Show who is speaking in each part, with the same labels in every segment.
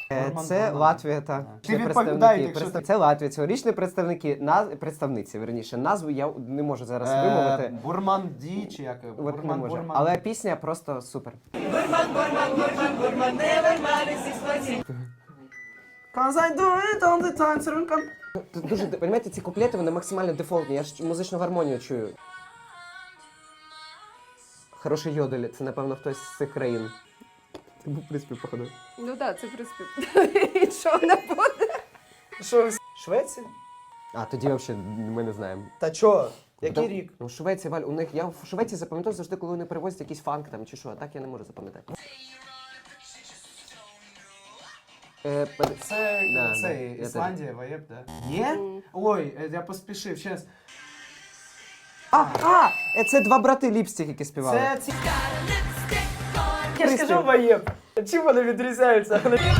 Speaker 1: Це Латвія, та.
Speaker 2: Ти відповідай, якщо
Speaker 1: Це Латвія, цьогорічні представниці, верніше, назву я не можу зараз вимовити.
Speaker 2: Бурманді чи як?
Speaker 1: От не можу. Але пісня просто супер.
Speaker 2: Cause I do it all the time, so
Speaker 1: Тут дуже, розумієте, ці куплети, вони максимально дефолтні, я ж музичну гармонію чую. Хороший йодель, це, напевно, хтось з цих країн. Це був приспів, походу.
Speaker 3: Ну так, це приспів. І що не буде?
Speaker 2: Що, Швеція?
Speaker 1: А, тоді взагалі ми не знаємо.
Speaker 2: Та чо? Який
Speaker 1: Там-
Speaker 2: рік?
Speaker 1: Ну, Швеція, Валь, у них, я в Швеції запам'ятав завжди, коли вони перевозять якийсь фанк там чи що, а так я не можу запам'ятати.
Speaker 2: Це
Speaker 1: Да,
Speaker 2: цей,
Speaker 1: я
Speaker 2: Ісландія, Ваєб, да? Є? Ой, я поспішив, щас.
Speaker 1: Це два брати Ліпстік, які співали.
Speaker 2: Це ці... Я ж кажу Ваєб. Чим вони відрізняються?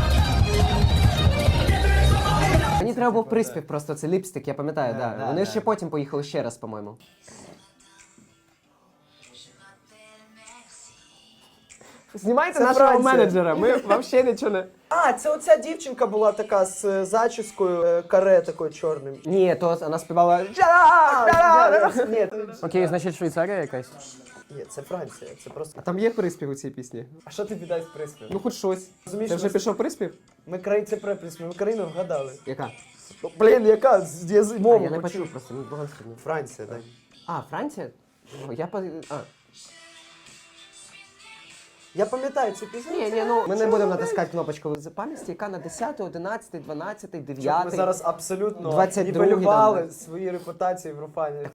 Speaker 1: Мені треба був приспів, просто це Ліпстик, я пам'ятаю, да. Вони ще потім поїхали ще раз, по-моєму. Знімайте
Speaker 2: Це
Speaker 1: нашого
Speaker 2: Франція.
Speaker 1: менеджера, ми взагалі нічого не...
Speaker 2: А, це оця дівчинка була така з зачіскою, каре такою чорним.
Speaker 1: Ні, то вона співала...
Speaker 2: Ні,
Speaker 1: Окей, значить Швейцарія якась.
Speaker 2: ні, це Франція, це просто...
Speaker 1: А там є приспів у цій пісні?
Speaker 2: А що тобі дасть приспів?
Speaker 1: Ну, хоч щось.
Speaker 2: Розумієш,
Speaker 1: Це вже
Speaker 2: ми-
Speaker 1: пішов приспів?
Speaker 2: Ми країн, це приспів, ми країну вгадали.
Speaker 1: Яка?
Speaker 2: Ну, блін, яка? Я
Speaker 1: А,
Speaker 2: мову
Speaker 1: я не
Speaker 2: почув.
Speaker 1: почув просто, мені було складно.
Speaker 2: Франція, так.
Speaker 1: А, Франція? О, я по... А.
Speaker 2: Я пам'ятаю цю пісню.
Speaker 1: Ні, ну, ми не будемо натискати кнопочку з пам'яті, яка на 10, 11, 12, 9.
Speaker 2: Ми зараз абсолютно
Speaker 1: 22-й
Speaker 2: нівелювали
Speaker 1: там,
Speaker 2: свої репутації в Руфані.